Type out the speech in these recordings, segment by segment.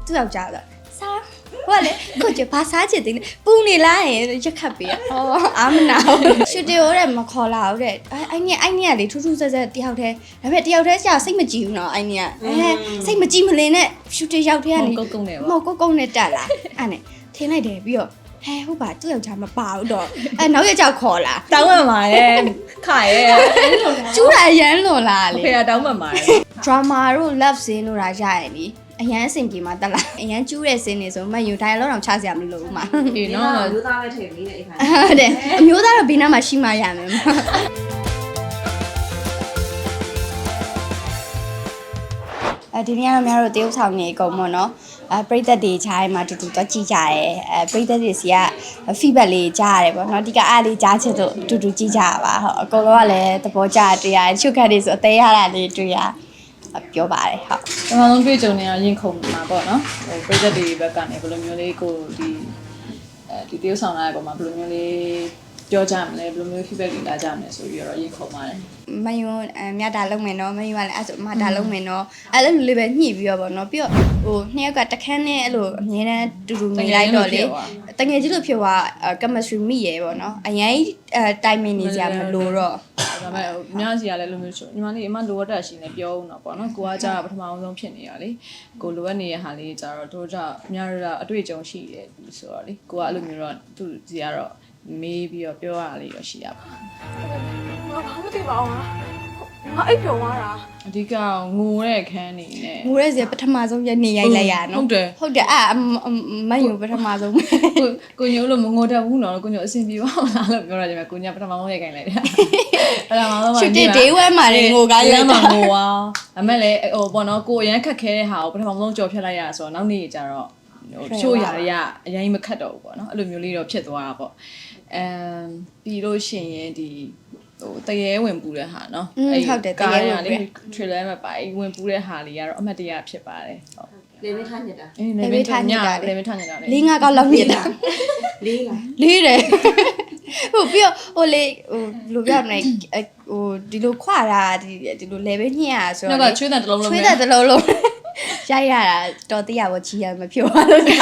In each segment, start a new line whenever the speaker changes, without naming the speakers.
သူ့ယောက်ျားကစားဟိုကလေကိုကျဘာစားချင်တယ်ပူနေလားရက်ခတ်ပေးဟောအာမနာရှူတီယိုတဲ့မခေါ်လာဘူးတဲ့အဲ့ညကလေထူးထူးဆဲဆဲတယောက်တည်းဒါပေမဲ့တယောက်တည်းကြာစိတ်မကြည်ဘူးနော်အဲ့ညကစိတ်မကြည်မလင်နဲ့ရှူတီရောက်တည်းကနေ
ကုန်းနဲ့
ပေါ့မဟုတ်ကုန်းနဲ့တက်လာအဲ့နဲ့ထင်းလိုက်တယ်ပြီးတော့ဟုတ်ပါသူ့ယောက်ျားမပါဘူးတော့နောက်ရက်ကြောက်ခေါ်လာ
တောင်းမှမှာရဲ့ခါရဲ့
ကျူးတာအရန်လွန်လာလေ
ဖေကတောင်းမှမှာရဲ့
drama တို့ love scene တို့ရာရရင်လीအရန်အဆင်ပြေမှာတက်လာအရန်ကျူးတဲ့ scene တွေဆိုမှယူတိုင်းလောက်တော့ချစရာမလိုဘူးမှာ
အေးနော်
မျိုးသားပဲထည့်ပြီးတဲ့အခါ
ဟုတ်တယ်အမျိုးသားတော့ဘေးနားမှာရှိမှရမယ်ဒီနေ့ကတော့များတို့တရုတ်ဆောင်နေအကုန်ပေါ့နော်ပရိသတ်တွေခြားထဲမှာတူတူတော့ကြည့်ကြရဲပရိသတ်တွေစီက feedback လေးကြားရတယ်ပေါ့နော်ဒီကအားလေးကြားချင်တော့တူတူကြည့်ကြရပါဟုတ်အကုန်လုံးကလည်းသဘောကျတရားချုပ်ခတ်တွေဆိုအသေးရတာလေးတွေ့ရပြောပါတယ်ဟုတ်
ပထမဆုံးတွေ့ကြုံနေရရင်ခုန်မှာပေါ့နော်ဟိုပရိသတ်တွေဘက်ကနေဘယ်လိုမျိုးလေးကိုဒီတရုတ်ဆောင်လာတဲ့ပုံမှာဘယ်လိုမျိုးလေးပြောကြမလဲဘယ်လိုမျိုး feedback တွေလာကြမလဲဆိုပြီးတော့ရင်ခုန်ပါတယ်
မယွန်းမြတ်တာလုံးမယ်နော်မယွန်းကလည်းအဲ့ဆိုမတာလုံးမယ်နော်အဲ့လိုလေးပဲညှိပြီးတော့ပေါ့နော်ပြီးတော့ဟိုနှစ်ယောက်ကတခန်းနဲ့အဲ့လိုအမြဲတမ်းတူတူနေလိုက်တော့လေတကယ်ကြီးလို့ဖြစ်သွား chemistry မိရယ်ပေါ့နော်အရင်timing နေကြမလို့တော့
ဒါပေမဲ့အများကြီးကလည်းလိုမျိုးညီမလေးအမလိုအပ်တာရှိနေပြောဦးတော့ပေါ့နော်ကိုကကြာပထမအောင်ဆုံးဖြစ်နေရလေကိုလိုအပ်နေတဲ့ဟာလေးကြာတော့တို့ကြအများတို့အတွေ့အကြုံရှိတယ်ဆိုတော့လေကိုကအဲ့လိုမျိုးတော့သူစီကတော့မေးပြီးတော့ပြောရလေးရရှိရပါ
ဘာမှမသိပါဘူးငါအိပ်ပျော်သွားတာ
အဓိကငိုတဲ့ခန်းနေနဲ့
ငိုတဲ့စီပထမဆုံးရနေရိုက်လိုက်ရနော်
ဟုတ်တယ်
မယုံပထမဆုံး
ကိုညို့လို့မငိုတတ်ဘူးနော်ကိုညို့အဆင်ပြေပါလားလို့ပြောရတယ်ကိုညပထမဆုံးရိုက်ခိုင်းလိုက်တယ်ပထမဆုံးမှာ
ရှူတစ်ဒေးဝဲမှာနေငိုကားရိုက်
မှာငိုပါဒါမဲ့လေဟိုပေါ့နော်ကိုအရန်ခက်ခဲတဲ့ဟာကိုပထမဆုံးကြော်ဖြတ်လိုက်ရဆိုတော့နောက်နေ့ကျတော့ဟိုချို့ရရအရင်မခတ်တော့ဘူးပေါ့နော်အဲ့လိုမျိုးလေးတော့ဖြစ်သွားတာပေါ့ပြီးလို့ရှိရင်ဒီဟိုတရေဝင်ပူတဲ့ဟာเนาะ
ဟုတ်တယ်တရေဝင်
လေး trailer မှာပါဝင်ပူတဲ့ဟာလေးကတော့အမှတ်တရဖြစ်ပါတယ်ဟုတ်
လေမင်းထားညစ်တာ
လေမင်းထားညစ်တာလေမင်းထားညစ်တာလေ
၄-၅ ကောက်လောက်ညစ်တာ
လေးလား
လေးတယ်ဟိုပြီးတော့ဟိုလေဟိုလိုပြမလဲဟိုဒီလိုခွာတာဒီလို level ညှစ်ရဆို
တော့ချွေးတဲ့တစ်လုံးလုံး
ချွေးတဲ့တစ်လုံးလုံးရိုက်ရတာတော်သေးရပါချီရမဖြိုးပါလို့ချ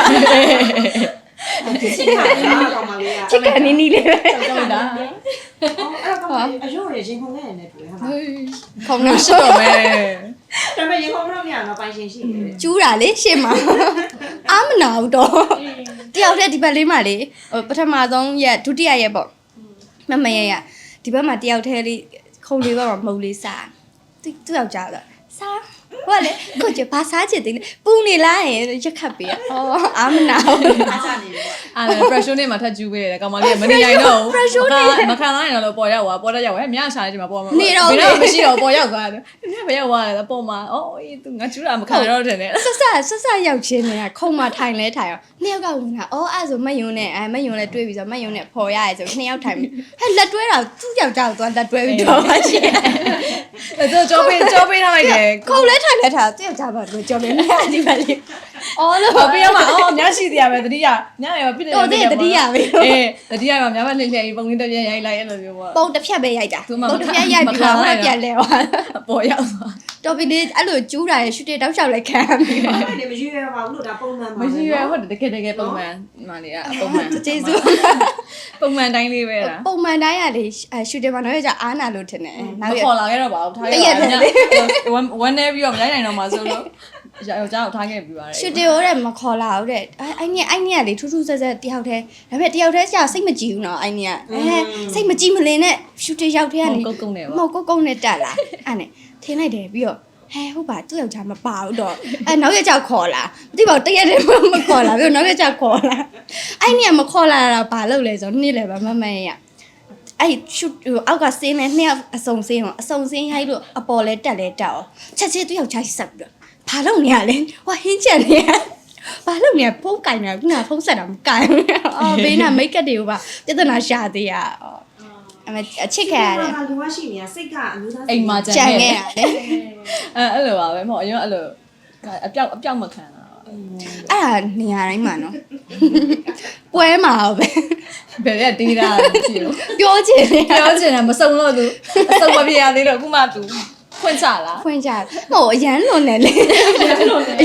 စ်ကနေနီးလေးပဲ
ကြောက်တာ
အဲ့တော့အယုံရရင်ခုန်ခဲ့ရတယ်တွေ့ဟာ
ခုံလို့ရှိ
တော့မယ်
ဒါပေမဲ့ရင်ခုန်တော့မရတော့ပိုင်ရှင်ရှိတယ်
ကျူးတာလေရှေ့မှာအာမနာဘူးတော့တယောက်တည်းဒီဘက်လေးမှာလေပထမဆုံးရက်ဒုတိယရက်ပေါ့မရဒီဘက်မှာတယောက်တည်းလေးခုံလေးဘက်မှာမဟုတ်လေးစားသူ့ယောက်ျားကစားဟိုကလေကိုကျဘာစားချင်တယ်ပူနေလားရက်ခတ်ပေးဟောအာမနာ
အားချနေတယ်
အဲ့ pressure နဲ့မှထပ်ကျူးပေးတယ်ကောင်မလေးကမနေနိုင်တော့ဘူးမခံနိုင်တော့ပေါ်ရောက်သွားပေါ်တက်ရောက်ဟဲ့မြရှားနေဒီမှာပေါ်မှာ
နေတော့
မရှိတော့ပေါ်ရောက်သွားတယ်မြဘရောက်သွားတယ်ပေါ်မှာအော်အေးသူငါကျူးတာမခံတော့တယ်နဲ့
ဆက်ရောက်ချင်းနေခုံမထိုင်လဲထိုင်အောင်နှစ်ယောက်ကဝင်လာအော်အဲ့ဆိုမယုံနဲ့မယုံနဲ့တွေ့ပြီးဆိုမယုံနဲ့ဖော်ရရဲဆိုနှစ်ယောက်ထိုင်ပြီးဟဲ့လက်တွဲတာသူ့ယောက်ျားကိုသွားလက်တွဲပြီးတော့ပါရှင်
အဲ့တော့ကြောပေးထားလိုက်တယ်
ခုံလဲထိုင်လဲထားသူ့ယောက်ျားဘာလို့ကြောပေးနေဒီပါလေးအော်လို့
ပြရမှာအော်များရှိသေးရပဲတတိယညရပြည့်တယ်
တော်သေးတတိယပဲ
အေးတတိယမှာများမလှည့်လှည့်ပုံလေးတစ်ပြက်ရိုက်လိုက်အဲ့လိုမျိုးပေါ့
ပုံတစ်ဖြတ်ပဲရိုက်တာပုံတစ်ဖြတ်ရိုက်ပြီးတော့ပြန်လဲသွား
ပေါ်ရောက်သွား
တော်ပြီလေအဲ့လိုကျူးတာရရှူတစ်တောက်လျှောက်လိုက်ခံပြီးပါ
မရွေးရပါဘူးလို့ဒါပုံမှန်ပါ
မရွေးဟုတ်တယ်တကယ်ပုံမှန်မှလေးကပုံမှန်
ကျေးဇူး
ပုံမှန်တိုင်းလေးပဲလား
ပုံမှန်တိုင်းကလေရှူတစ်မှာတော့ကြာအားနာလို့ထင်တယ်
နောက်ရခေါ်လာခဲ့တော့ပါဘူးထားရဝမ်းနေပြီးတော့မရိုက်နိုင်တော့မှဆိုလို့ယောက်ျားကိုထားခဲ့ပြီးပါတယ်
ရှူတစ်ရိုးတဲ့မခေါ်လာဘူးတဲ့အဲ့ညကလေထူးထူးဆဲဆဲတယောက်တည်းဒါပေမဲ့တယောက်တည်းကြာစိတ်မကြည်ဘူးနော်အဲ့ညကစိတ်မကြည်မလင်နဲ့ရှူတစ်ရောက်တည်းကနေ
ကုန်းနဲ့
ပေါ့မဟုတ်ကုန်းနဲ့တက်လာအဲ့နဲ့ထင်းလိုက်တယ်ပြီးတော့ဟုတ်ပါသူ့ယောက်ျားမပါဘူးတော့နောက်ရက်ကြောက်ခေါ်လာမသိပါဘူးတရက်တည်းမခေါ်လာပြီးနောက်ရက်ကြောက်ခေါ်လာအဲ့ညမခေါ်လာတာဘာလုပ်လဲဆိုတော့နေ့လည်းပဲမရအဲ့ရှူအောက်ကစင်းနဲ့နှစ်ယောက်အစုံစင်းရိုက်လို့အပေါ်လဲတက်လဲတက်အောင်ချက်ချင်းသူ့ယောက်ျားဆက်ပြီးတော့ဘာလုပ်နေရလဲဟိုဟင်းချက်နေရဘာလုပ်နေဖုန်းကင်နေခုနဖုန်းဆက်တာမကင်ဘူးဘေးနာမိတ်ကပ်တွေကိုပါပြဿနာရှာသေးရအချစ်ခံရတယ်
လူကရှိနေတာစိတ်ကအမျိုးသား
အိမ်မှာ
ကြံခဲ့ရတယ်
အဲ့လိုပါပဲမဟုတ်အရင်အဲ့လိုအပြောက်မခံတာ
အဲ့ဒါနေရာတိုင်းမှာနော်ပွဲမှာပဲ
ဘယ်ရက်တေးတာကြည့်လို့
ပြောချင်
တာမစုံလို့သူအစုံမပြရသေးတော့အခုမှသူဖွင့်ချလား
ဖွင့်ချဟိုအရန်လွန်တယ်လေအရန်လွန်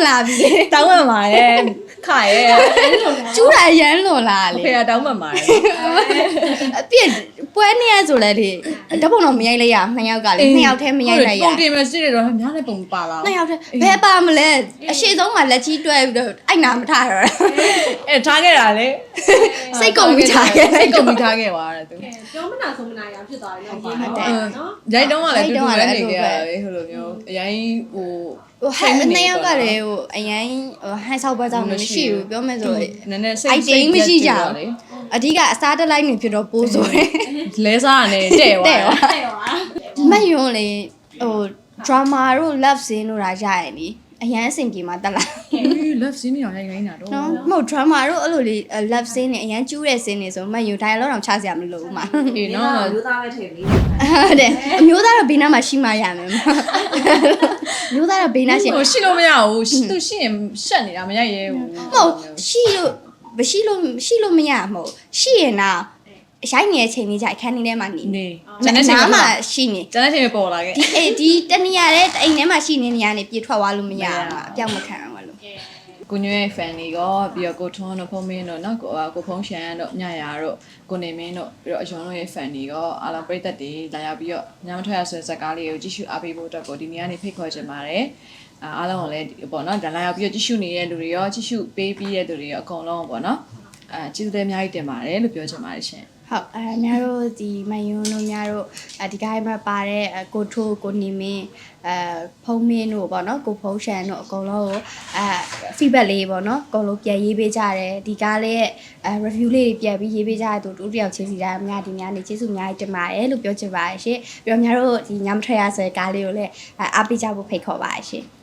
လာပြီလေ
တောင်းမှန်ပါရဲ့ခရဲ့
ကျူးတာရမ်းလွန်လာလေ
ဖေကတောင်းမှန်ပါရဲ့
အပြစ်ပွဲနေရဆိုလဲလေဓာတ်ပုံတော့မရိုက်လိုက်ရ2ယောက်ကလေ2ယောက်တည်းမရိုက်လိုက်ရ
ပုံတင်မရှိတယ်တော့များလည်းပုံပါလာ
2ယောက်တည်းဘယ်ပါမလဲအရှိဆုံးမှာလက်ကြီးတွဲပြီးတော့အိုက်နာမထားတော့
အဲထားခဲ့တာလေ
စိတ်ကုန်ပြီးထားခဲ့
စိတ်ကုန်ပြီးထားခဲ့ပါတဲ့သူ
ပြောမနာဆုံးမနာရဖြစ်သွားတယ်နော်
ရိုက်တော့ကလည်းတူတူလည်းနေခဲ့ရတယ်ဟိုလိုမျိုးအရင်ဟို
ဟို2ယောက်ကလေဟိုအရင်ဟိုဟန်ဆောက်ပွဲကြောင့်မရှိဘူးပြောမယ်ဆို
နည်းနည်းစိတ်
အဓိကအစားတက်လိုက်နေဖြစ်တော့ပိုးဆိုတယ်
လဲစားရတယ်တဲ့သွား
မယုံလေဟို drama တို့ love scene တို့ရာရရည်လीအရန်အဆင်ပြေမှာတက်လာ
love scene တွေရိုက်ခိုင်းတာတော့
နော်မဟုတ် drama တို့အဲ့လိုလေ love scene တွေအရန်ကျူးတဲ့ scene တွေဆိုမယုံ dialogue တော့ချစရာမလိုဘူးမှာ
အေးနော်
လူသားပဲထည့်လေး
ဟုတ်တယ်အမျိုးသားတော့ဘေးနားမှာရှိမှရမယ်မျိုးသားတော့ဘေးနားရှိ
ဟိုရှိလို့မရဘူးသူရှိရင်ရှက်နေတာမရိုက်ရဲဘူး
မဟုတ်ရှိလို့မရမဟုတ်ရှိရင်တော့ရိုက်နေတဲ့ချိန်လေးကြအခန်းထဲမှာနေ
နေ
နားမှာရှိနေ
ကျန်တဲ့ချိန်ပေါ်လာခဲ့
ဒီတနေရာတဲ့အိမ်ထဲမှာရှိနေနေရနေပြေထွက်သွားလို့မရဘူးအပြောက်မခံအောင်လို့
ကိုညွန့်ရဲ့ fan တွေရောပြီးတော့ကိုထွန်းတို့ဖုံးမင်းတို့နော်ကိုဖုံးရှန်တို့ညရာတို့ကိုနေမင်းတို့ပြီးတော့အယွန်တို့ရဲ့ fan တွေရောအားလုံးပရိသတ်တွေလာရောက်ပြီးတော့ညမထွက်ရဆိုတဲ့ဇာတ်ကားလေးကိုကြည့်ရှုအားပေးဖို့အတွက်ကိုဒီနေ့ကနေဖိတ်ခေါ်ချင်ပါတယ်အားလုံးကိုလည်းပေါ့နော်ဒါလာရောက်ပြီးတော့ကြည့်ရှုနေတဲ့လူတွေရောကြည့်ရှုပေးပြီးတဲ့လူတွေရောအကုန်လုံးပေါ့နော်ကျေးဇူးတင်အများကြီးတင်ပါတယ်လို့ပြောချင်ပါတယ်ရှင်
ဟုတ်များတို့ဒီမယွန်းတို့များတို့ဒီကိုင်းမှာပါတဲ့ကိုထိုးကိုနေမင်းဖုံးမင်းတို့ပေါ့နော်ကိုဖုံးရှန်တို့အကုန်လုံးကိုfeedback လေးပေါ့နော်အကုန်လုံးပြန်ရေးပေးကြတယ်ဒီကားလေးရဲ့review လေးတွေပြန်ပြီးရေးပေးကြတဲ့သူတို့တယောက်ချင်းစီတိုင်းများဒီများနေကျေးဇူးအများကြီးတင်ပါတယ်လို့ပြောချင်ပါတယ်ရှင်ပြီးတော့များတို့ဒီညမထွက်ရဆိုတဲ့ကားလေးကိုလည်းအားပေးကြဖို့ဖိတ်ခေါ်ပါတယ်ရှင်